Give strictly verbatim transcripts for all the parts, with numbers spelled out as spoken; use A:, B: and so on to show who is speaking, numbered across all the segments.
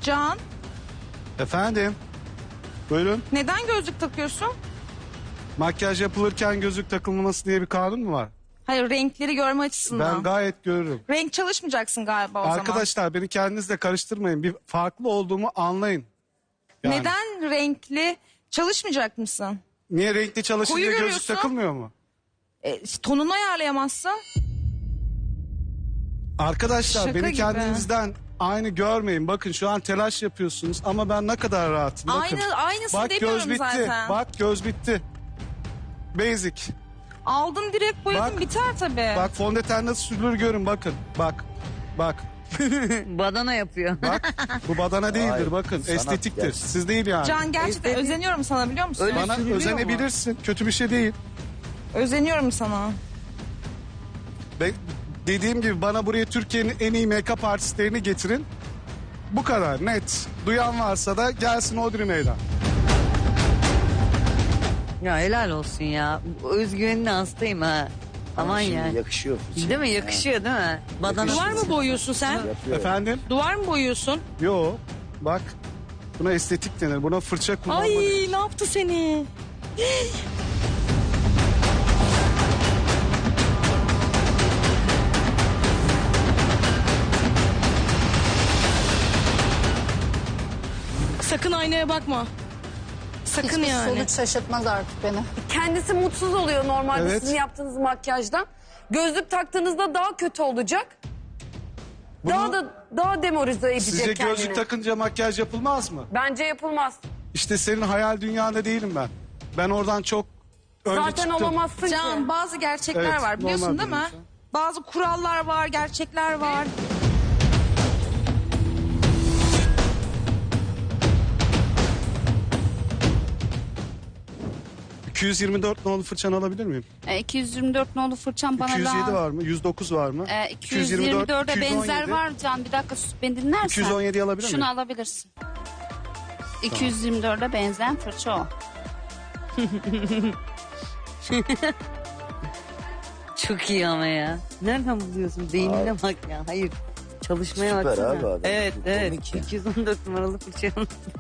A: Can,
B: Efendim? Buyurun.
A: neden gözlük takıyorsun?
B: Makyaj yapılırken gözlük takılmaması diye bir kanun mu var?
A: Hayır, renkleri görme açısından.
B: Ben gayet görürüm.
A: Renk çalışmayacaksın galiba o zaman.
B: Arkadaşlar beni kendinizle karıştırmayın. Bir farklı olduğumu anlayın. Yani.
A: Neden renkli çalışmayacak mısın?
B: Niye renkli çalışınca
A: Koyu
B: gözlük
A: görüyorsun.
B: takılmıyor mu?
A: E, tonunu ayarlayamazsın.
B: Arkadaşlar
A: Şaka
B: beni
A: gibi.
B: kendinizden aynı görmeyin. Bakın şu an telaş yapıyorsunuz ama ben ne kadar rahatım. Bakın.
A: Aynı, aynısını
B: Bak
A: demiyorum
B: göz bitti.
A: zaten.
B: Bak göz bitti. Basic.
A: Aldın direkt boyadın
B: Bak.
A: biter tabii.
B: Bak fondöten nasıl sürülür görün bakın. Bak. Bak.
C: Badana yapıyor.
B: Bak. Bu badana değildir
D: Hayır,
B: bakın.
D: sanat
B: Estetiktir.
D: gerçekten.
B: Siz değil yani.
A: Can gerçekten
C: Estetik-
A: özeniyorum sana, biliyor musun?
C: Öyle
B: Bana
C: sürülüyor
B: özenebilirsin. Kötü bir şey değil.
A: Özeniyorum sana.
B: Ben dediğim gibi bana buraya Türkiye'nin en iyi make-up artistlerini getirin. Bu kadar net. Duyan varsa da gelsin Odri Meydan.
C: Ya helal olsun ya. Özgüvenine hastayım ha. Aman
D: Şimdi
C: ya.
D: yakışıyor.
C: Değil mi? Yakışıyor değil mi? Badana.
E: Duvar mı boyuyorsun sen?
D: Yapıyor.
B: Efendim?
E: Duvar mı boyuyorsun?
B: Yo. Bak. Buna estetik denir. Buna fırça kullanma
E: Ay
B: denir.
E: ne yaptı seni? Sakın aynaya bakma. Sakın
F: Hiçbir
E: yani.
F: sonuç şaşırtmaz artık beni.
G: Kendisi mutsuz oluyor normalde
B: Evet.
G: sizin yaptığınız makyajdan. Gözlük taktığınızda daha kötü olacak.
B: Bunu-
G: Daha da daha demoralize edecek
B: Sizce
G: kendini.
B: gözlük takınca makyaj yapılmaz mı?
G: Bence yapılmaz.
B: İşte senin hayal dünyanda değilim ben. Ben oradan çok önce
G: Zaten
B: çıktım.
G: olamazsın
A: Can,
G: ki.
A: bazı gerçekler
B: Evet,
A: var biliyorsun
B: normal
A: değil mi?
B: biliyorsun.
A: Bazı kurallar var, gerçekler var.
B: iki yüz yirmi dört nolu fırçanı alabilir miyim?
H: E, iki yüz yirmi dört nolu fırçam bana
B: iki yüz yedi
H: lazım.
B: var mı? yüz dokuz var mı?
H: E, iki yüz yirmi dörde benzer var Can. Bir dakika sus, beni dinlersen.
B: iki yüz on yediyi alabilir miyim?
H: Şunu alabilirsin. iki yüz yirmi dörde benzeyen fırça o.
C: Çok iyi ama ya. Nereden buluyorsun? Beynine bak ya. Hayır. Çalışmaya
D: Süper
C: baksana.
D: abi adam.
C: Evet
D: Bu
C: evet.
D: komik ya.
C: iki yüz on dört numaralı fırça.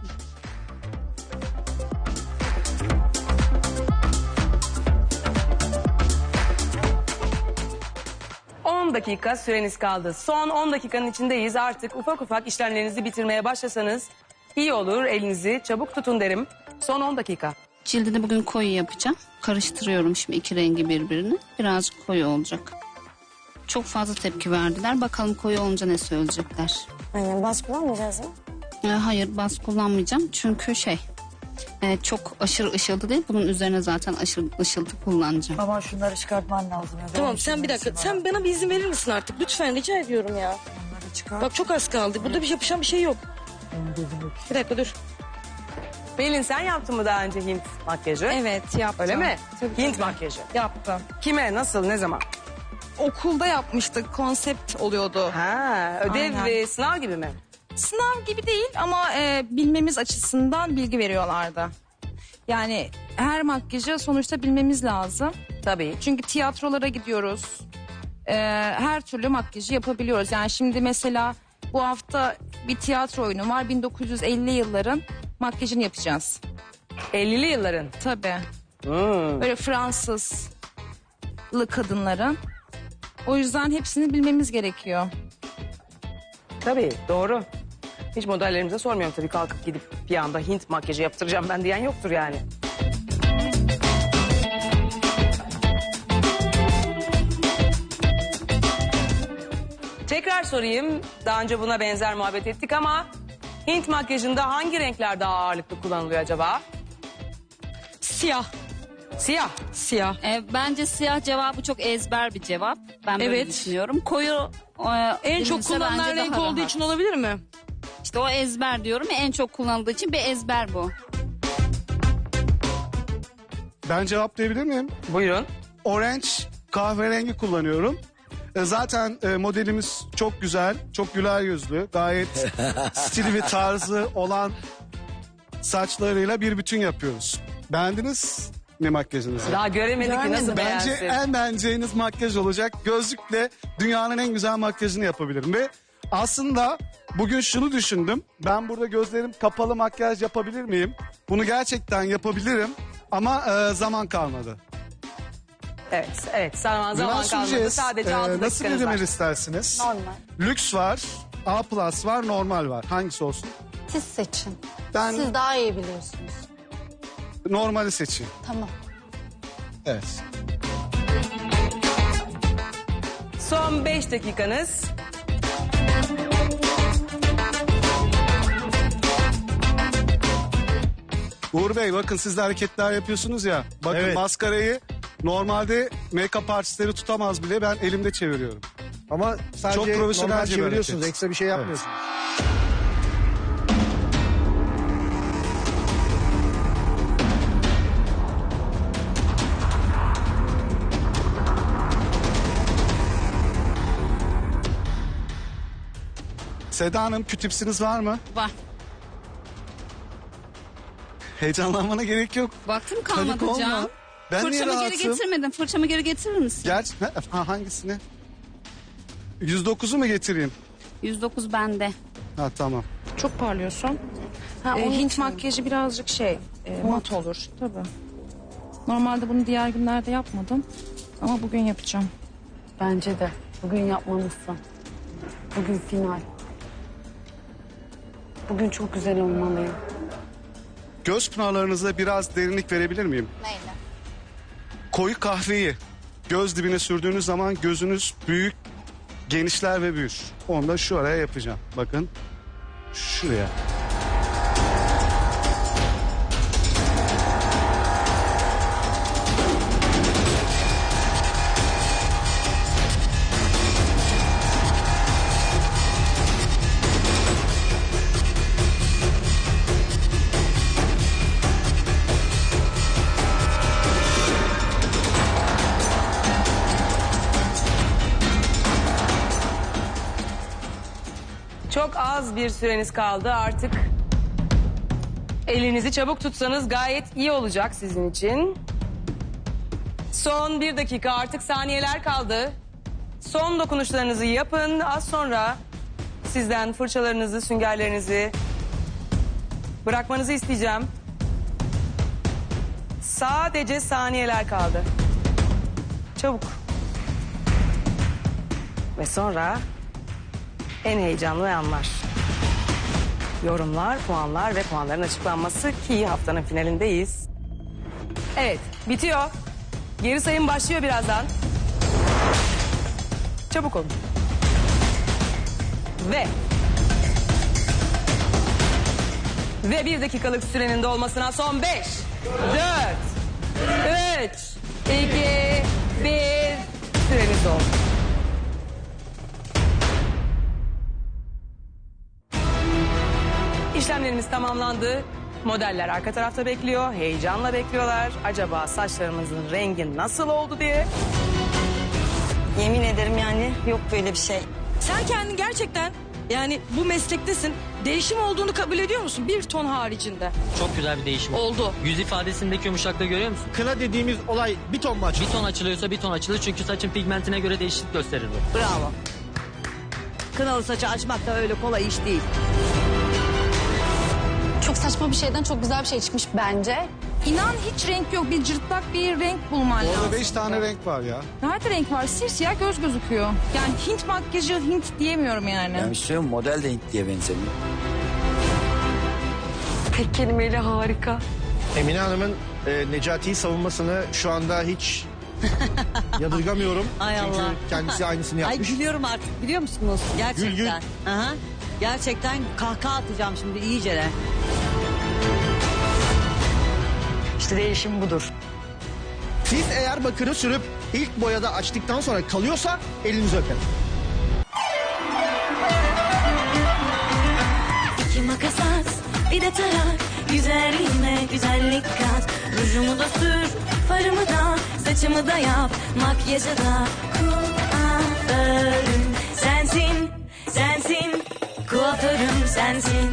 I: on dakika süreniz kaldı. Son on dakikanın içindeyiz. Artık ufak ufak işlemlerinizi bitirmeye başlasanız iyi olur. Elinizi çabuk tutun derim. Son on dakika.
H: Cildini bugün koyu yapacağım. Karıştırıyorum şimdi iki rengi birbirine. Birazcık koyu olacak. Çok fazla tepki verdiler. Bakalım koyu olunca ne söyleyecekler.
G: Aynen, bas kullanmayacağız mı?
H: E, hayır bas kullanmayacağım. Çünkü şey e, çok aşırı ışıltı değil. Bunun üzerine zaten aşırı ışıltı kullanacağım.
J: Aman şunları çıkartman lazım. Ya.
E: Tamam
J: Benim
E: sen
J: için
E: bir dakika.
J: hepsi
E: Sen
J: var.
E: bana bir izin verir misin artık? Lütfen rica ediyorum ya.
J: Onları çıkar.
E: Bak çok az kaldı. Burada bir yapışan bir şey yok.
J: Benim gözüm
E: Bir dakika dur.
I: Pelin sen yaptın mı daha önce Hint makyajı?
A: Evet, yaptım.
I: Öyle mi?
A: Tabii,
I: Hint
A: tabii.
I: makyajı.
A: Yaptım.
I: Kime, nasıl, ne zaman?
A: Okulda yapmıştık, konsept oluyordu.
I: Ha, ödev
A: Aynen.
I: ve sınav gibi mi?
A: Sınav gibi değil ama e, bilmemiz açısından bilgi veriyorlardı. Yani her makyajı sonuçta bilmemiz lazım.
I: Tabii.
A: Çünkü tiyatrolara gidiyoruz. E, her türlü makyajı yapabiliyoruz. Yani şimdi mesela bu hafta bir tiyatro oyunu var. bin dokuz yüz elli yılların makyajını yapacağız.
I: ellili yılların.
A: Tabii.
I: Hmm.
A: Böyle Fransızlı kadınların. O yüzden hepsini bilmemiz gerekiyor.
I: Tabii, doğru. Hiç modellerimize sormuyorum tabii, kalkıp gidip bir anda Hint makyajı yaptıracağım ben diyen yoktur yani. Tekrar sorayım. Daha önce buna benzer muhabbet ettik ama Hint makyajında hangi renkler daha ağırlıklı kullanılıyor acaba?
E: Siyah.
I: Siyah.
E: Siyah.
H: E, bence siyah cevabı çok ezber bir cevap. Ben böyle
E: Evet.
H: düşünüyorum. Koyu e,
E: En çok
H: denilse
E: kullanılan
H: bence
E: renk
H: daha
E: olduğu
H: rahat.
E: için olabilir mi?
H: İşte o ezber diyorum ya, en çok kullanıldığı için bir ezber bu.
B: Ben cevaplayabilir miyim?
I: Buyurun.
B: Orange kahverengi kullanıyorum. E, Zaten e, modelimiz çok güzel, çok güler yüzlü, gayet stili ve tarzı olan saçlarıyla bir bütün yapıyoruz. Beğendiniz mi makyajınızı?
I: Daha göremedik ki nasıl
B: Bence
I: beğensin.
B: en beğeneceğiniz makyaj olacak. Gözlükle dünyanın en güzel makyajını yapabilirim. Ve aslında bugün şunu düşündüm. Ben burada gözlerim kapalı makyaj yapabilir miyim? Bunu gerçekten yapabilirim ama e, zaman kalmadı.
I: Evet, evet. Zaman, zaman
B: Nüans
I: kalmadı.
B: süreceğiz.
I: Sadece
B: Ee,
I: altı
B: Nasıl bir
I: dakikanız var.
B: rimel istersiniz?
H: Normal.
B: Lüks var, A plus var, normal var. Hangisi olsun?
H: Siz seçin.
B: Ben
H: Siz daha iyi biliyorsunuz.
B: normali seçeyim.
H: Tamam.
B: Evet.
I: Son beş dakikanız.
B: Uğur Bey bakın siz de hareketler yapıyorsunuz ya. Bakın
D: Evet.
B: maskarayı normalde make-up artistleri tutamaz bile, ben elimde çeviriyorum.
D: Ama sadece
B: Çok profesyonelce
D: normal
B: bir
D: çeviriyorsunuz.
B: hareket.
D: Ekstra bir şey yapmıyorsunuz.
B: Seda Hanım kütüpsiniz var mı?
H: Var.
B: Heyecanlanmana gerek yok.
H: Vaktim
B: Panik
H: kalmadı
B: olma.
H: Can.
B: Ben niye
H: Fırçamı geri
B: rahatım?
H: getirmedim. Fırçamı geri getirir misin?
B: Gerçi ha, ha, hangisini? yüz dokuzu mu getireyim?
H: yüz dokuz bende.
B: Ha tamam.
A: Çok parlıyorsun.
G: Ha,
A: Ee,
G: onun
A: Hint
G: için.
A: makyajı birazcık şey e, mat olur. Tabii. Normalde bunu diğer günlerde yapmadım. Ama bugün yapacağım.
C: Bence de. Bugün yapmalısın. Bugün final. Bugün çok güzel olmalıyım.
B: Göz pınarlarınıza biraz derinlik verebilir miyim?
H: Neyle?
B: Koyu kahveyi göz dibine sürdüğünüz zaman gözünüz büyük, genişler ve büyür. Onu da şu araya yapacağım. Bakın. Şuraya.
I: Çok az bir süreniz kaldı artık. Elinizi çabuk tutsanız gayet iyi olacak sizin için. Son bir dakika, artık saniyeler kaldı. Son dokunuşlarınızı yapın. Az sonra sizden fırçalarınızı, süngerlerinizi bırakmanızı isteyeceğim. Sadece saniyeler kaldı. Çabuk. Ve sonra en heyecanlı anlar. Yorumlar, puanlar ve puanların açıklanması ki haftanın finalindeyiz. Evet, bitiyor. Geri sayım başlıyor birazdan. Çabuk olun. Ve... Ve bir dakikalık sürenin dolmasına son beş, dört, üç, iki, bir... Süreniz doldu. İşlemlerimiz tamamlandı. Modeller arka tarafta bekliyor. Heyecanla bekliyorlar. Acaba saçlarımızın rengi nasıl oldu diye.
G: Yemin ederim yani yok böyle bir şey.
E: Sen kendin gerçekten yani bu meslektesin. Değişim olduğunu kabul ediyor musun? Bir ton haricinde.
F: Çok güzel bir değişim.
E: Oldu.
F: Yüz ifadesindeki yumuşaklığı görüyor musun?
D: Kına dediğimiz olay bir ton maç.
F: Bir ton açılıyorsa bir ton açılır çünkü saçın pigmentine göre değişiklik gösterir bu.
C: Bravo. Kınalı saçı açmak da öyle kolay iş değil.
H: Çok saçma bir şeyden çok güzel bir şey çıkmış bence.
A: İnan hiç renk yok. Bir cırtlak bir renk bulman lazım.
B: Orada beş tane renk var ya.
A: Nerede renk var? Simsiyah göz gözüküyor. Yani Hint makyajı Hint diyemiyorum yani.
K: Yani söylüyorum model de Hint diye benzemiyor.
G: Tek kelimeyle harika.
D: Emine Hanım'ın e, Necati'yi savunmasını şu anda hiç yadırgamıyorum.
C: Ay
D: Çünkü
C: Allah.
D: kendisi aynısını
C: Ay
D: yapmış.
C: gülüyorum artık biliyor musunuz? Gerçekten.
D: Gül, gül.
C: Aha. Gerçekten kahkaha atacağım şimdi iyice de.
G: İşte değişim budur.
D: Siz eğer bakırı sürüp ilk boyada açtıktan sonra kalıyorsa elinizi öperim.
L: İki makas at, bir de tarak. Güzelliğime güzellik kat. Rujumu da sür, farımı da, saçımı da yap. Makyajı da kuaförüm sensin, sensin. Kuaförüm sensin.